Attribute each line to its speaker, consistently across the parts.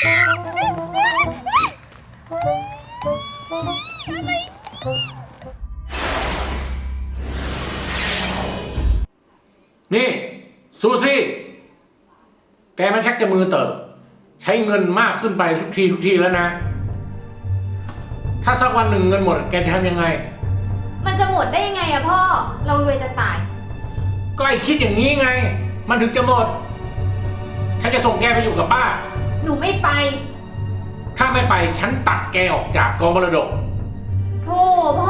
Speaker 1: นี่ซูซี่แกมันชักจะมือเติบใช้เงินมากขึ้นไปทุกทีแล้วนะถ้าสักวันหนึ่งเงินหมดแกจะทำยังไง
Speaker 2: มันจะหมดได้ยังไงอะพ่อเรารวยจะตาย
Speaker 1: ก็ไอคิดอย่างนี้ไงมันถึงจะหมดฉันจะส่งแกไปอยู่กับป้า
Speaker 2: หนูไม่ไป
Speaker 1: ถ้าไม่ไปฉันตัดแกออกจากกองมรดก
Speaker 2: โธ่พ่อ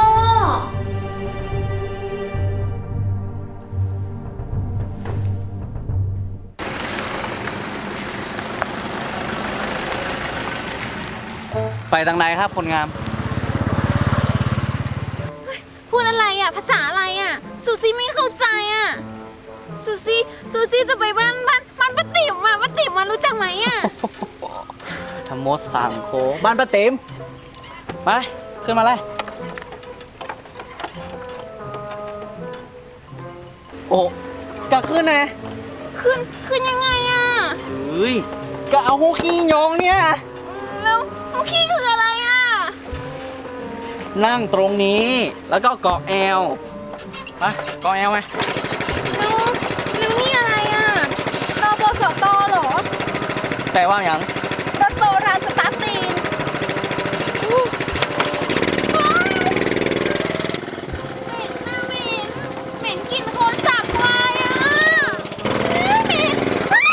Speaker 3: ไปทางไหนครับคนงาม
Speaker 2: พูดอะไรอ่ะภาษาอะไรอ่ะซูซี่ไม่เข้าใจอ่ะซูซี่จะไปบ้านป้าติ๋มอ่ะป้าติ๋มมารู้จักไหมอ่ะ
Speaker 3: ธรรมดสั่งโคบ้านป้าติ๋มไปขึ้นมาเลยโอ้กะขึ้นนะ
Speaker 2: ขึ้นยังไงอ่ะ
Speaker 3: เฮ้ยกะเอาหูขี้ยองเนี่ย
Speaker 2: แล้วหูขี้คืออะไรอ่ะ
Speaker 3: นั่งตรงนี้แล้วก็เกาะแอวไปเกาะแอวไหม
Speaker 2: แล้วนี่อะไรอ่ะตบสตเหรอ
Speaker 3: แปลว่าอย่าง
Speaker 2: รถโบราณสตาร์ทตีนเหม็นกลิ่นโคลนสาบควายอ่ะเหม็น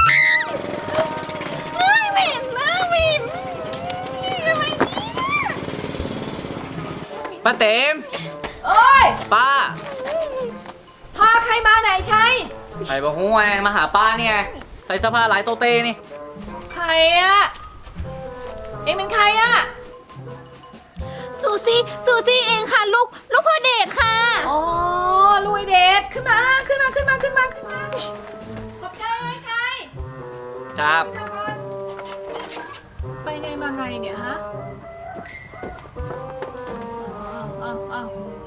Speaker 2: เหม็นนะเหม็นอะไรเนี่ย
Speaker 3: ป้าเต็ม
Speaker 2: เอ้ย
Speaker 3: ป้า
Speaker 2: พาใครมาไหนใช่
Speaker 3: ใครบอกหูไงมาหาป้าเนี่ยใส่เสื้อผ้าลายโตเต้นี่
Speaker 2: ใครอะเอ็งเป็นใครอะซูซี่เองค่ะลูกพ่อเดชค่ะอ๋อลุยเดชขึ้นมาขอบใจไหมชัย
Speaker 3: ครับ
Speaker 2: ไปไงมาไงเนี่ยฮะอ้าว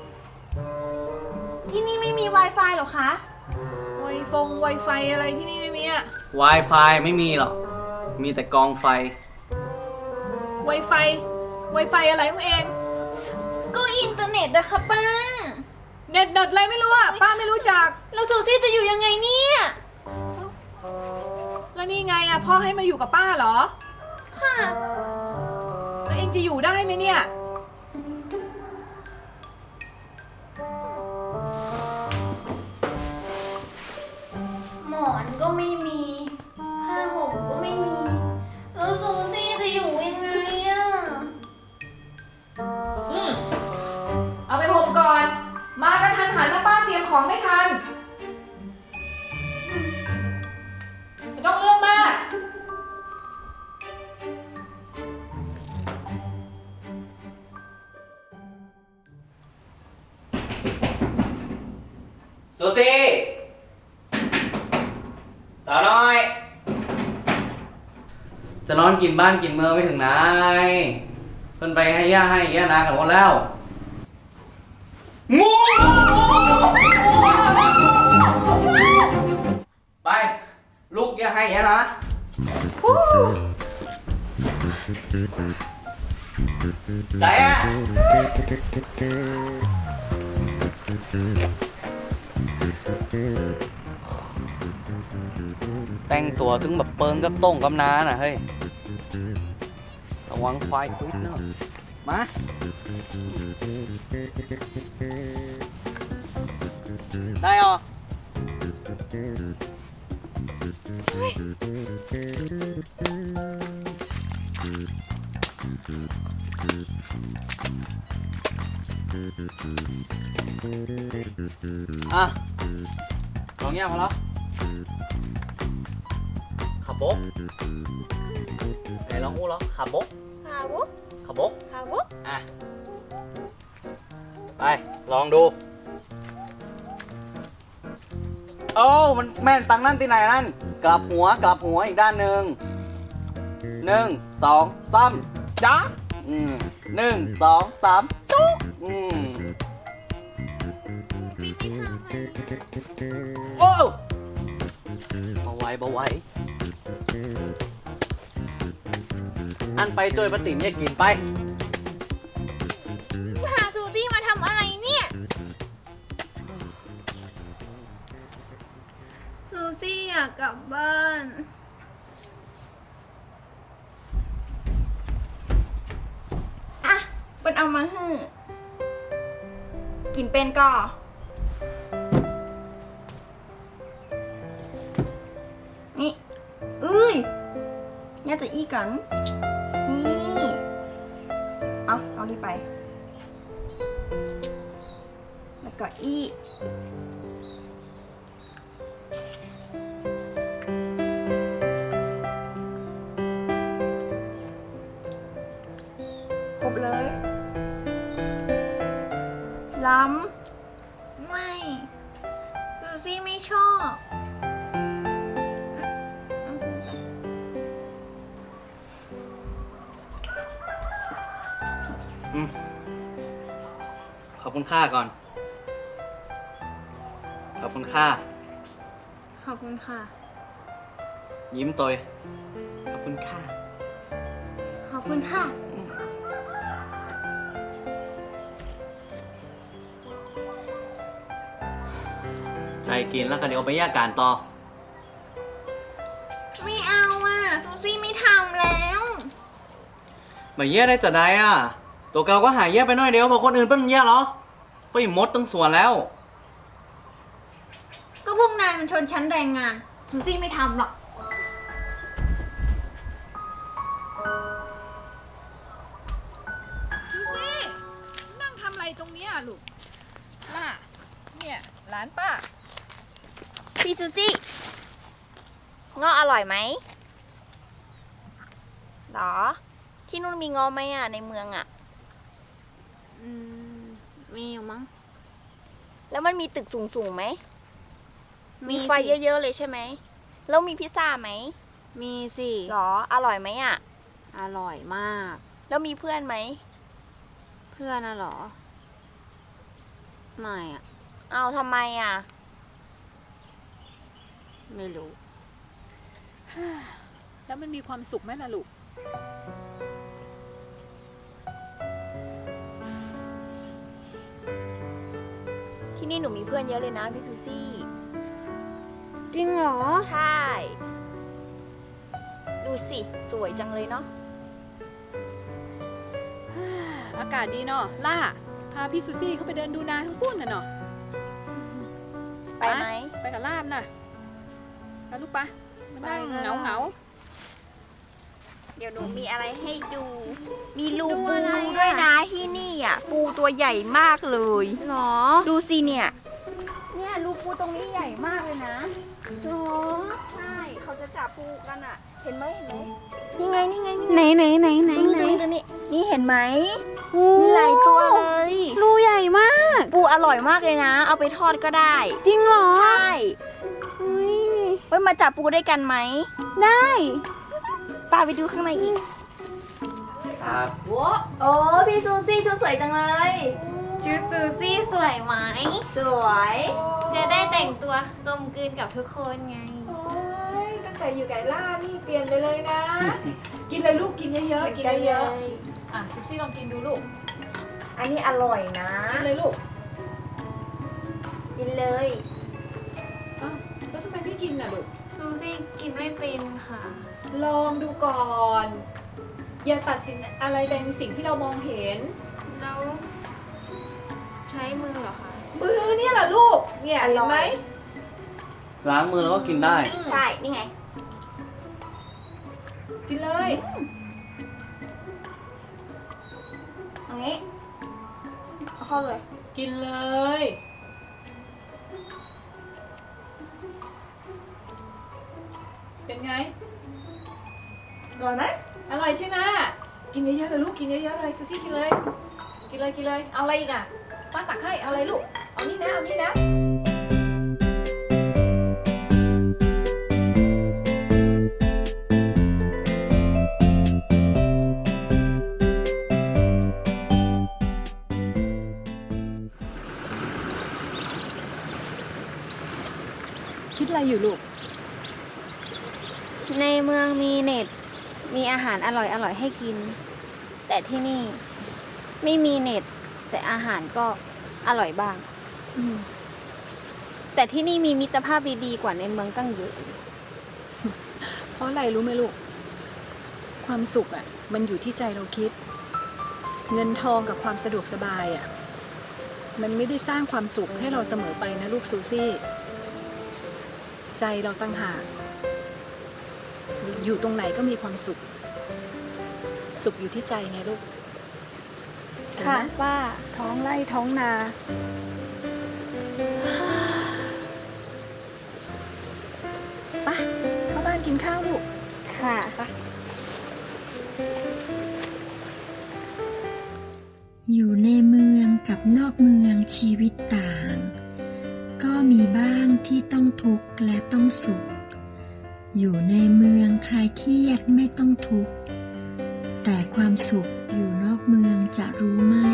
Speaker 2: ที่นี่ไม่มี Wi-Fi หรอคะWi-Fi อะไรที่นี่ไม่มีอะ
Speaker 3: Wi-Fi ไม่มีหรอกมีแต่กองไฟ
Speaker 2: Wi-Fi อะไรของเองก็อินเทอร์เน็ตอะค่ะป้าเน็ตอะไรไม่รู้อะป้าไม่รู้จักแล้วซูซี่จะอยู่ยังไงเนี่ยแล้วนี่ไงอะพ่อให้มาอยู่กับป้าเหรอค่ะแล้วเองจะอยู่ได้ไหมเนี่ยหมอนก็ไม่มีผ้าห่มก็ไม่มีแล้วซูซี่จะอยู่ยังไงอะเอาไปห่มก่อนมากระทันหันแล้วป้าเตรียมของไม่ทันไม่ต้องเรื่องมาก
Speaker 3: ซูซี่สาวน้อยจะนอนกินบ้านกินเมืองไม่ถึงไหนเพิ่นไปให้ย่านากับหมดแล้วงูไปลูกย่าให้ย่านะใจอ่ะแต่งตัวถึงแบบเปิงกับต้งกับน้าน่ะเฮ้ยระวังควายควิดเนอะมาได้หรออ่ะลองแยกมาแล้วขับบกไหนลองอู้แล้วขับบกขับบกอ่ะไปลองดูโอ้มันแม่นตังนั่นที่ไหนนั่นกลับหัวอีกด้านหนึ่ง1 2 3จ๊ะ1 2 3จุ๊กโอ้เบาไว้นั่นไปจอยปะติ๋มเนี่ยกินไป
Speaker 2: พาซูซี่มาทำอะไรเนี่ย ซูซี่อยากกลับบ้าน
Speaker 4: อ่ะเป็นเอามาให้กินเป็นก่อนี่เอ้ยเนี่ยจะอี้กัน นี่เอาดีไป แล้วก็อี้ครบเลยล้
Speaker 2: ไม่ซูซี่ไม่ชอบเอาพูดไป
Speaker 3: ขอบคุณค่าก่อน ขอบคุณค่า
Speaker 2: ขอบคุณค่ะ
Speaker 3: ยิ้มตัวขอบคุณค่า
Speaker 2: ขอบคุณค่ะ
Speaker 3: ใจกินแล้วกันเดี๋ยวเอาไปแยกการต่อ
Speaker 2: ไม่เอาอ่ะซูซี่ไม่ทำแล้ว
Speaker 3: มาแยกได้จะได้อ่ะ ตัวเก่าก็หายแยกไปหน่อยเดียวพอคนอื่นเป็นแยกเหรอก็อีมดตั้งส่วนแล้ว
Speaker 2: ก็พวกนายมันชนชั้นแรงงานซูซี่ไม่ทำหรอก
Speaker 5: ซูซี่นั่งทำอะไรตรงเนี้ยลูกล่ะเนี่ยหลานป้า
Speaker 4: ำพี่ซูซี่เงาะอร่อยไหมหรอ ที่นู่นมีเงาะไหมอ่ะ ในเมืองอ่ะ
Speaker 2: มีอยู่มั้ง
Speaker 4: แล้วมันมีตึกสูงๆไหม
Speaker 2: มี
Speaker 4: มีไฟ
Speaker 2: สิ
Speaker 4: เยอะๆเลยใช่ไหม แล้วมีพิซซ่าไหม
Speaker 2: มีสิ
Speaker 4: หรอ อร่อยไหมอ่ะ
Speaker 2: อร่อยมาก
Speaker 4: แล้วมีเพื่อนไหม
Speaker 2: เพื่อนน่ะเหรอ ไม่อ่ะ
Speaker 4: เอาทำไมอ่ะ
Speaker 2: ไม่รู้
Speaker 5: แล้วมันมีความสุขไหมล่ะลูก
Speaker 4: ที่นี่หนูมีเพื่อนเยอะเลยนะพี่ซูซี่
Speaker 2: จริงเหรอ
Speaker 4: ใช่ ดูสิ สวยจังเลยเนาะ
Speaker 5: อากาศดีเนาะล่าพาพี่ซูซี่เขาไปเดินดูนาทั้งปุ้นน่ะเนาะ
Speaker 4: ไปไหม
Speaker 5: ไปกับลาบน่ะไปลูกปะมานั่ง
Speaker 2: ไปก็ได้
Speaker 5: เหงา
Speaker 4: เดี๋ยวหนูมีอะไรให้ดู มีรู
Speaker 2: ดู
Speaker 4: ปู
Speaker 2: อะไรอะ
Speaker 4: ด้วยนะที่นี่อ่ะ ปูตัวใหญ่มากเลย
Speaker 2: หรอ
Speaker 4: ดูสิเนี่ย เนี่ยรูปูตรงนี้ใหญ่มากเลยนะ
Speaker 2: หรอ
Speaker 4: ใช่ เขาจะจับปูกันอ่ะ เห็นไหมเห็นไหม
Speaker 2: นี่ไงนี่ไงไหนไหนไหนไหน
Speaker 4: ตรง
Speaker 2: ไหน
Speaker 4: นี้ตรงนี้นี่เห็นไหม
Speaker 2: โอ้
Speaker 4: มีหลายตัวเลย
Speaker 2: รูใหญ่มาก
Speaker 4: ปูอร่อยมากเลยนะ เอาไปทอดก็ได้
Speaker 2: จริงเหรอ
Speaker 4: ใช่
Speaker 2: อุ๊ย
Speaker 4: ไว้มาจับปูด้วยกันไหม
Speaker 2: ได้
Speaker 4: ป้าไปดูข้างในอีก
Speaker 3: ครับ
Speaker 4: โอ้พี่ซูซี่ชุดสวยจังเลย
Speaker 2: ชุดซูซี่สวยไหม
Speaker 4: สวย
Speaker 2: จะได้แต่งตัวกลมกลืนกับทุกคนไง
Speaker 5: ๆโอ้ยตั้งแต่อยู่ไก่ล่านี่เปลี่ยนไปเลยนะ กินเลยลูกกินเยอะๆกินเยอะๆอ่ะซูซี่ลองกินดูลูก
Speaker 4: อันนี้อร่อยนะ
Speaker 5: กินเลยลูก
Speaker 4: กินเลย
Speaker 5: อ้าวแล้วทำไมไม่กินน่ะลูก
Speaker 2: ซูซี่กินไม่เป็นค่ะ
Speaker 5: ลองดูก่อน อย่าตัดสินอะไรเป็นสิ่งที่เรามองเห็น
Speaker 2: แล้วใช้มือเหรอคะ
Speaker 5: มือเนี่ยแหละลูก เนี่ยเห็นไหม
Speaker 3: ล้างมือแล้วก็กินได้
Speaker 4: ใช่ นี่ไง
Speaker 5: กินเลย
Speaker 4: ตรงนี้เอาเข้าเลย
Speaker 5: กินเลย เป็นไง
Speaker 4: อร่อยไหม
Speaker 5: อร่อยใช่ไหมกินเยอะๆเลยลูก กินเยอะๆเลยซูซี่กินเลย กินเลย กินเลย เอาอะไรอีกอ่ะป้าตักให้ เอาอะไรลูก เอานี่นะ เอานี่นะ คิดอะไรอยู่ลูก
Speaker 2: ในเมืองมีเน็ตมีอาหารอร่อยๆให้กิน แต่ที่นี่ไม่มีเน็ต แต่อาหารก็อร่อยบ้าง แต่ที่นี่มีมิตรภาพดีๆกว่าในเมืองตั้งเยอะ
Speaker 5: เพราะอะไรรู้ไหมลูก ความสุขอ่ะ มันอยู่ที่ใจเราคิด เงินทองกับความสะดวกสบายอ่ะ มันไม่ได้สร้างความสุขให้เราเสมอไปนะลูกซูซี่ ใจเราตั้งหากอยู่ตรงไหนก็มีความสุข สุขอยู่ที่ใจไงลูก
Speaker 2: ค่ะ
Speaker 5: เห็นไหม
Speaker 2: ป้า
Speaker 5: ท้องไร่ท้องนาไปเข้าบ้านกินข้าวลูก
Speaker 2: ค่ะ
Speaker 6: อยู่ในเมืองกับนอกเมืองชีวิตต่าง ก็มีบ้างที่ต้องทุกข์และต้องสุข อยู่ในเมืองใครเครียดไม่ต้องทุกข์ แต่ความสุขอยู่นอกเมืองจะรู้ไหม